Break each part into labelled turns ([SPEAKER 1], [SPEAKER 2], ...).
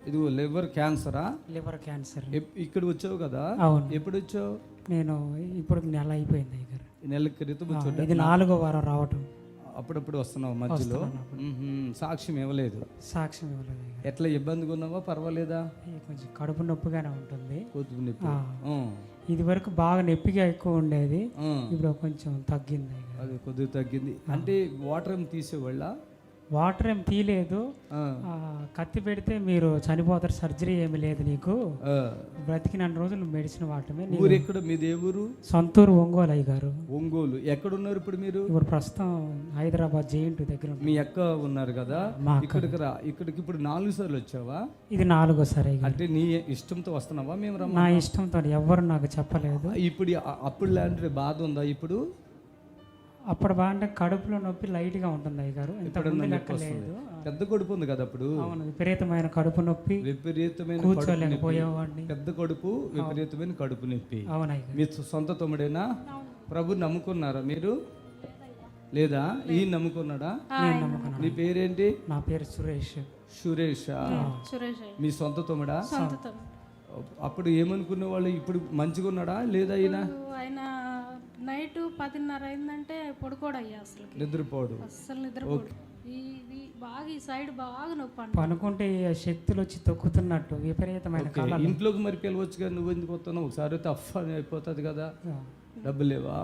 [SPEAKER 1] ఇది liver క్యాన్సరా?
[SPEAKER 2] Liver cancer.
[SPEAKER 1] ఇక్కడ వచ్చావు కదా?
[SPEAKER 2] అవును.
[SPEAKER 1] ఎప్పుడు వచ్చావు?
[SPEAKER 2] నేను ఇప్పుడు నెల అయిపోయింది అయ్యగారు.
[SPEAKER 1] నెల క్రితం వచ్చావు.
[SPEAKER 2] ఇది 4వ వారం రావటం.
[SPEAKER 1] అప్పుడప్పుడు వస్తున్నావు మధ్యలో. సాక్ష్యం ఇవ్వలేదు.
[SPEAKER 2] సాక్ష్యం ఇవ్వలేదు అయ్యగారు.
[SPEAKER 1] ఎట్లా ఇబ్బందిగా ఉన్నావా? పర్వాలేదా?
[SPEAKER 2] కొంచెం కడుపు నొప్పిగానే ఉంటుంది.
[SPEAKER 1] కొద్ది నొప్పి.
[SPEAKER 2] ఇది వరకు బాగా నొప్పిగా ఎక్కువ ఉండేది, ఇప్పుడు కొంచెం తగ్గింది.
[SPEAKER 1] అది కొద్దిగా తగ్గింది. అంటే వాటర్ ఏమి తీసేవాళ్ళ?
[SPEAKER 2] వాటర్ ఏం తీయలేదు. కత్తి పెడితే మీరు చనిపోతారు, సర్జరీ ఏమి లేదు నీకు, బ్రతికిన రోజులు మెడిసిన్ వాడటమే.
[SPEAKER 1] ఊరు ఎక్కడ మీది? ఏ ఊరు?
[SPEAKER 2] సొంతూరు ఒంగోలు అయ్యగారు.
[SPEAKER 1] ఒంగోలు. ఎక్కడున్నారు ఇప్పుడు మీరు?
[SPEAKER 2] ఇప్పుడు ప్రస్తుతం హైదరాబాద్ జేఎన్టీ దగ్గర.
[SPEAKER 1] మీ అక్క ఉన్నారు కదా, ఇక్కడికి రా. ఇక్కడికి ఇప్పుడు 4 సార్లు వచ్చావా?
[SPEAKER 2] ఇది 4వసారి.
[SPEAKER 1] అంటే నీ ఇష్టంతో వస్తున్నావా? మేము
[SPEAKER 2] నా ఇష్టంతో, ఎవరు నాకు చెప్పలేదు.
[SPEAKER 1] ఇప్పుడు అప్పుడు లాంటి బాధ ఉందా ఇప్పుడు?
[SPEAKER 2] అప్పుడు బాగా కడుపులో నొప్పి లైట్ గా ఉంటుంది అయ్యగారు.
[SPEAKER 1] పెద్ద కడుపు ఉంది కదా అప్పుడు?
[SPEAKER 2] అవును, విపరీతమైన కడుపు నొప్పి.
[SPEAKER 1] విపరీతమైన
[SPEAKER 2] కూర్చోలేకపోయేవాడిని.
[SPEAKER 1] పెద్ద కడుపు, విపరీతమైన కడుపు నొప్పి.
[SPEAKER 2] అవునయ్య.
[SPEAKER 1] మీ సొంత తమ్ముడేనా? ప్రభు నమ్ముకున్నారా మీరు? లేదా ఈయన నమ్ముకున్నాడా? నీ పేరేంటి?
[SPEAKER 2] నా పేరు సురేష్.
[SPEAKER 1] సురేష్. మీ సొంత తమ్ముడా? అప్పుడు ఏమనుకునే వాళ్ళు? ఇప్పుడు మంచిగా ఉన్నాడా లేదా?
[SPEAKER 3] ఆయన నైట్ 10:30 అయిందంటే పడుకోడయ్యా, అసలు
[SPEAKER 1] నిద్రపోడు.
[SPEAKER 3] అసలు నిద్రపోడు. ఇది బాగా ఈ సైడ్ బాగా నొప్పి.
[SPEAKER 2] పనుకుంటే శక్తులు వచ్చి తొక్కుతున్నట్టు విపరీతమైన.
[SPEAKER 1] ఇంట్లోకి మరి పిలవచ్చు కదా, నువ్వు ఎందుకు వస్తున్నావు? ఒకసారి అయితే అఫ్ అయిపోతుంది కదా. డబ్బు లేవా?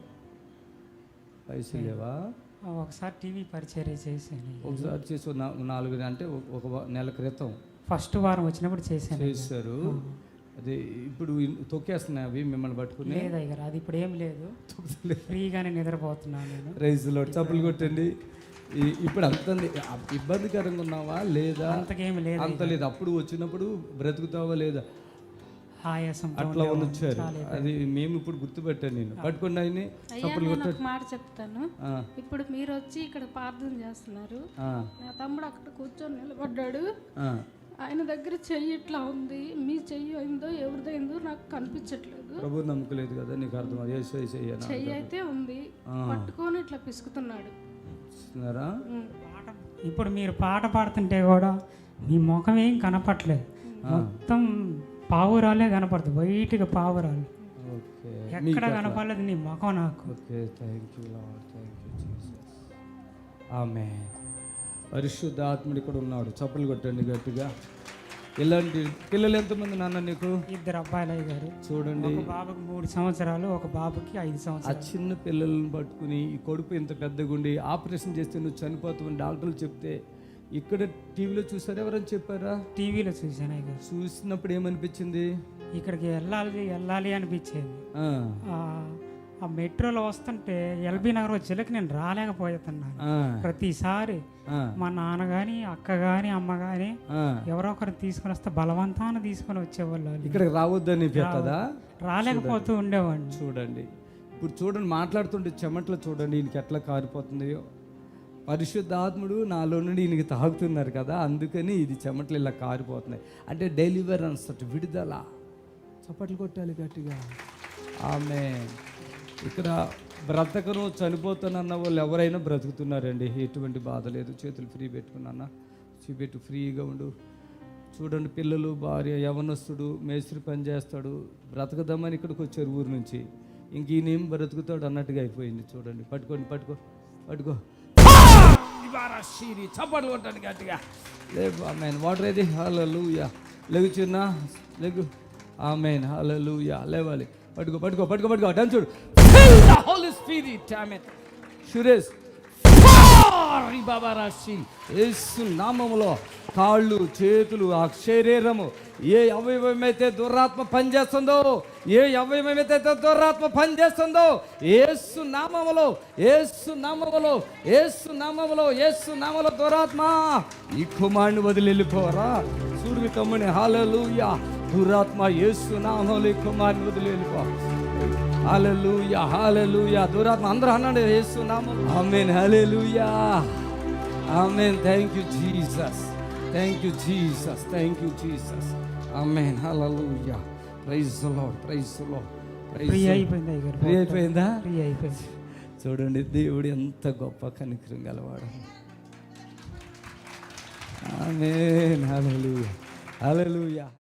[SPEAKER 1] పైసలు లేవా?
[SPEAKER 2] ఒకసారి టీవీ పరిచర్య చేశాను.
[SPEAKER 1] ఒకసారి చేసి 4 అంటే ఒక నెల క్రితం
[SPEAKER 2] ఫస్ట్ వారం వచ్చినప్పుడు చేశారు.
[SPEAKER 1] అదే ఇప్పుడు తొక్కేస్తున్నాయి అవి మిమ్మల్ని పట్టుకుని?
[SPEAKER 2] లేదయ్యారు, అది ఇప్పుడు ఏం లేదు, ఫ్రీగానే నిద్రపోతున్నాను నేను.
[SPEAKER 1] రైస్లో చప్పులు కొట్టండి. ఇప్పుడు అంత ఇబ్బందికరంగా ఉన్నావా లేదా?
[SPEAKER 2] అంతకేమి లేదు.
[SPEAKER 1] అంత లేదు. అప్పుడు వచ్చినప్పుడు బ్రతుకుతావా లేదా?
[SPEAKER 2] ఆయాసం
[SPEAKER 1] అట్లా వచ్చారు. అది మేము ఇప్పుడు గుర్తుపెట్టాను. నేను పట్టుకుని ఆయన్ని చప్పులు కొట్టాను.
[SPEAKER 3] మాట చెప్తాను. ఇప్పుడు మీరు వచ్చి ఇక్కడ ప్రార్థన చేస్తున్నారు, నా తమ్ముడు అక్కడ కూర్చొని నిలబడ్డాడు. ఆయన దగ్గర చెయ్యి ఇట్లా ఉంది. మీ చెయ్యి అయిందో ఎవరిదైందో నాకు కనిపించట్లేదు.
[SPEAKER 1] ప్రభు నమ్మకలేదు కదా నీకు అర్థం?
[SPEAKER 3] చెయ్యి అయితే ఉంది, పట్టుకొని ఇట్లా పిసుకుతున్నాడు.
[SPEAKER 2] ఇప్పుడు మీరు పాట పాడుతుంటే కూడా మీ ముఖం ఏం కనపట్లేదు, మొత్తం పావురాలే కనపడుతుంది, వైట్గా పావురాలు. ఎక్కడ కనపడలేదు నీ ముఖం నాకు.
[SPEAKER 1] ఆమేన్. పరిశుద్ధ ఆత్ముడు ఇక్కడ ఉన్నాడు. చప్పులు కొట్టండి గట్టిగా. ఇలాంటి పిల్లలు ఎంతమంది నాన్న నీకు?
[SPEAKER 2] 2 అబ్బాయిలు అయ్యారు.
[SPEAKER 1] చూడండి,
[SPEAKER 2] ఒక బాబుకి 3 సంవత్సరాలు, ఒక బాబుకి 5 సంవత్సరాలు.
[SPEAKER 1] ఆ చిన్న పిల్లలను పట్టుకుని ఈ కడుపు ఇంత పెద్దగుండి ఆపరేషన్ చేస్తే నువ్వు చనిపోతావని డాక్టర్లు చెప్తే ఇక్కడ టీవీలో చూసారు? ఎవరైనా చెప్పారా?
[SPEAKER 2] టీవీలో చూసాను అయ్యారు.
[SPEAKER 1] చూసినప్పుడు ఏమనిపించింది?
[SPEAKER 2] ఇక్కడికి వెళ్ళాలి అనిపించేది. ఆ మెట్రోలో వస్తుంటే ఎల్బీ నగర్ వచ్చేకి నేను రాలేకపోతున్నాను. ప్రతిసారి మా నాన్న గాని, అక్క గాని, అమ్మ గాని ఎవరో ఒకరిని తీసుకొని వస్తే బలవంతాన్ని తీసుకొని వచ్చేవాళ్ళు. ఇక్కడికి
[SPEAKER 1] రావద్దని
[SPEAKER 2] రాలేకపోతూ ఉండేవాడిని.
[SPEAKER 1] చూడండి, ఇప్పుడు చూడండి, మాట్లాడుతుంటే చెమట్లో చూడండి ఈయనకి ఎట్లా కారిపోతుందో. పరిశుద్ధాత్ముడు నాలో నుండి ఈయనకి తాగుతున్నారు కదా, అందుకని ఇది చెమట్లు ఇలా కారిపోతున్నాయి. అంటే డెలివరెన్స్, విడుదల. చప్పట్లు కొట్టాలి గట్టిగా. ఆమేన్. ఇక్కడ బ్రతకను చనిపోతానన్న వాళ్ళు ఎవరైనా బ్రతుకుతున్నారండి. ఎటువంటి బాధ లేదు. చేతులు ఫ్రీ పెట్టుకున్నా, చూపెట్టు, ఫ్రీగా ఉండు. చూడండి, పిల్లలు, భార్య, యవనస్తుడు, మేస్త్రి పని చేస్తాడు, బ్రతకదామని ఇక్కడికి వచ్చారు ఊరు నుంచి. ఇంక ఈయనేం బ్రతుకుతాడు అన్నట్టుగా అయిపోయింది. చూడండి, పట్టుకో. చప్పట్లు కొట్టండి గట్టిగా. లేవు. ఆమేన్. వాటర్ ఏది? హల్లెలూయా. లెగు చిన్న, లెగు. ఆమేన్. హల్లెలూయా. లేవాలి. పట్టుకో. డన్ చూడు. Fill the Holy Spirit. Amen. Suresh, యేసు నామములో కాళ్ళు, చేతులు, ఆ శరీరము, ఏ అవయవమైతే దురాత్మ పనిచేస్తుందో, యేసు నామములో దురాత్మ ఈ కుమారుని వదిలి వెళ్ళిపోరా. సూర్యుని తమ్ముని. హల్లెలూయా. దురాత్మ యేసు నామములో ఈ కుమారుని వదిలి వెళ్ళిపో. హల్లెలూయా. దురాత్మ అందరూ అన్నాడు యేసు నామం. ఆమేన్. హల్లెలూయా. ఆమేన్. Thank you Jesus. ఆమేన్. హల్లెలూయా. Praise the Lord.
[SPEAKER 2] ఫ్రీ అయిపోయిందా?
[SPEAKER 1] చూడండి, దేవుడు ఎంత గొప్ప కనికరం గలవాడు. ఆమేన్. హల్లెలూయా. హల్లెలూయా.